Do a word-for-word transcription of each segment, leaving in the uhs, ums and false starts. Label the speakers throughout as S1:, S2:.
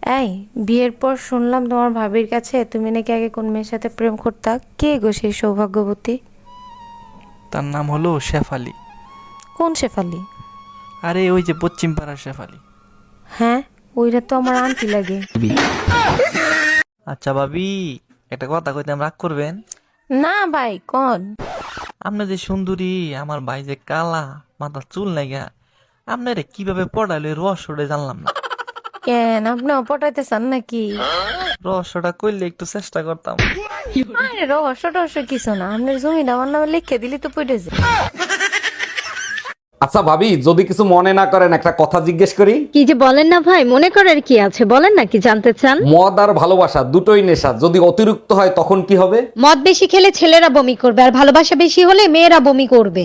S1: এই বিয়ের পর শুনলাম তোমার ভাবির কাছে তুমি নাকি আগে কোন মেয়ের সাথে প্রেম করতা। কে গো সেই সৌভাগ্যবতী?
S2: তার নাম হলো শেফালি।
S1: কোন শেফালি?
S2: আরে ওই যে পশ্চিম পাড়ার শেফালি।
S1: হ্যাঁ, ওইটা তো আমার আন্টি লাগে।
S2: আচ্ছা ভাবি, একটা কথা কইতে রাগ করবেন?
S1: না ভাই, কোন?
S2: আপনি যে সুন্দরী, আমার ভাই যে কালা, মাথার চুল নাইগা, আপনারে কিভাবে পড়াইলে রহস্যটা জানলাম না।
S1: কেন, আপনিও পটাইতে চান নাকি?
S2: রহস্যটা কইলে একটু চেষ্টা করতাম।
S1: আরে রহস্য টহস্য কিছু না, আপনার জমিটা আমার নামে লিখে দিলি তো পড়ে যায়।
S3: আচ্ছা ভাবি, যদি কিছু মনে না করেন একটা কথা জিজ্ঞেস করি।
S4: কি যে বলেন না ভাই, মনে করার কি আছে, বলেন না কি জানতে চান।
S3: মদ আর ভালোবাসা দুটোই নেশা, যদি অতিরিক্ত হয় তখন কি হবে?
S4: মদ বেশি খেলে ছেলেরা বমি করবে, আর ভালোবাসা বেশি হলে মেয়েরা বমি করবে।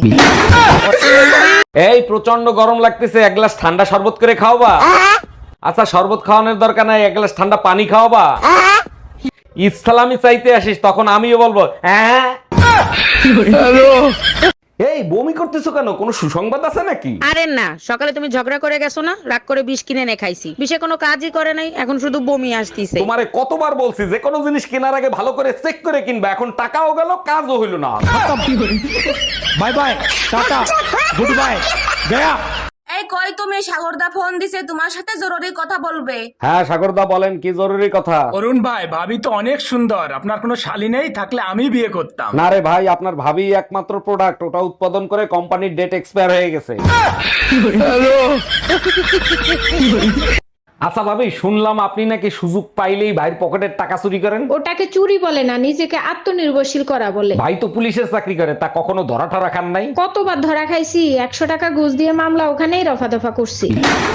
S3: এই প্রচন্ড গরম লাগতেছে, এক গ্লাস ঠান্ডা শরবত করে খাওয়াবা? আচ্ছা শরবত খাওয়ানোর দরকার নাই, এক গ্লাস ঠান্ডা পানি খাওয়াবা? ইসলামি চাইতে আসিস তখন আমিও বলবো হ্যাঁ। এই বমি করতেছো কেন, কোনো সুসংবাদ আছে নাকি?
S5: আরে না, সকালে তুমি ঝগড়া করে গেছো না, রাগ করে বিষ কিনে এনে খাইছি, বিষে কোনো কাজই করে নাই, এখন শুধু বমি আসতিছে।
S3: তোমারে কতবার বলছি যে কোনো জিনিস কেনার আগে ভালো করে চেক করে কিনবা, এখন টাকাও গেল কাজও হইল না।
S6: Bye bye, tata, good bye, গয়া।
S7: এই কই তুমি? সাগরদা ফোন দিছে, তোমার সাথে জরুরি কথা বলবে।
S3: হ্যাঁ সাগরদা বলেন, কি জরুরি কথা?
S6: অরুণ ভাই, ভাবি তো অনেক সুন্দর, আপনার কোনো শালী নেই, থাকলে আমি বিয়ে করতাম।
S3: না রে ভাই, আপনার ভাবি একমাত্র প্রোডাক্ট, ওটা উৎপাদন করে কোম্পানির ডেট এক্সপায়ার হয়ে গেছে। আচ্ছা ভাবি, শুনলাম আপনি নাকি সুযোগ পাইলেই ভাইয়ের পকেটের টাকা চুরি করেন।
S8: ওটাকে চুরি বলে না, নিজেকে আত্মনির্ভরশীল করা বলে।
S3: ভাই তো পুলিশের চাকরি করে, তা কখনো ধরা ঠরা খান নাই?
S8: কতবার ধরা খাইছি, একশো টাকা ঘুষ দিয়ে মামলা ওখানেই রফা দফা করছি।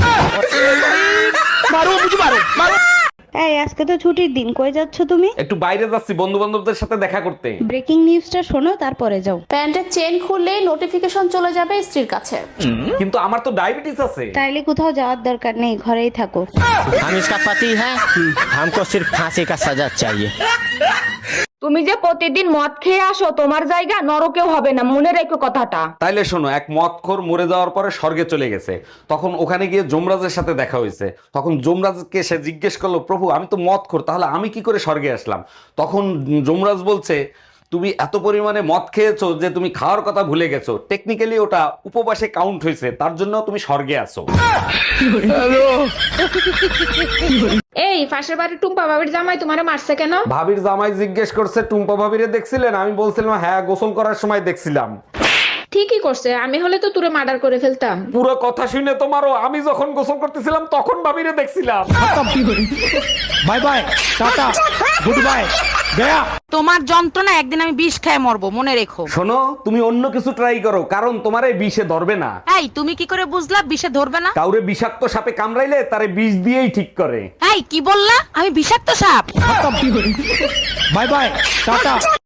S9: এই আজকে তো ছুটির দিন, কই যাচ্ছ তুমি?
S3: একটু বাইরে যাচ্ছি বন্ধু বান্ধবদের সাথে দেখা করতে।
S9: ব্রেকিং নিউজটা শোনো, তারপরে যাও।
S7: প্যান্টের চেন খুললে নোটিফিকেশন চলে যাবে স্ত্রীর কাছে।
S3: কিন্তু আমার তো ডায়াবেটিস আছে।
S9: তাইলে কোথাও যাওয়ার দরকার নেই, ঘরেই থাকো।
S10: हम इसका पति है, हमको सिर्फ फांसी का सजा चाहिए।
S7: তুমি যে প্রতিদিন মদ খেয়ে আসো, তোমার জায়গা নরকেও হবে না, মনে রেখো কথাটা।
S3: তাইলে শোনো, এক মদখোর মরে যাওয়ার পরে স্বর্গে চলে গেছে, তখন ওখানে গিয়ে যমরাজের সাথে দেখা হয়েছে। তখন যমরাজকে সে জিজ্ঞেস করলো, প্রভু আমি তো মদখোর, তাহলে আমি কি করে স্বর্গে আসলাম? তখন যমরাজ বলছে, তুমি এত পরিমাণে মদ খেয়েছো যে তুমি খাওয়ার কথা ভুলে গেছো, টেকনিক্যালি ওটা উপবাসে কাউন্ট হয়েছে, তার জন্য তুমি স্বর্গে আছো।
S8: এই পাশের বাড়ির টুম্পা ভাবির জামাই তোমারে মারছে কেন?
S3: ভাবির জামাই জিজ্ঞেস করছে, টুম্পা ভাবিরে দেখছিলেন? আমি বলছিলাম হ্যাঁ, গোসল করার সময় দেখছিলাম।
S8: ঠিকই করছে, আমি হলে তো তুরে মার্ডার করে ফেলতাম।
S3: পুরো কথা শুনে তোমারও, আমি যখন গোসল করতেছিলাম তখন ভাবিরে দেখছিলাম।
S6: Bye bye, tata, good bye, গয়া।
S5: তোমার যন্ত্রণা একদিন আমি বিষ খেয়ে মরবো, মনে রেখো।
S3: শোনো, তুমি অন্য কিছু ট্রাই করো, কারণ তোমার এই বিষে ধরবে না।
S5: এই তুমি কি করে বুঝলা বিষে ধরবে না?
S3: কাউরে বিষাক্ত সাপে কামড়াইলে তারে বিষ দিয়েই ঠিক করে।
S5: এই কি বললা? আমি বিষাক্ত সাপ?
S6: Bye bye, tata.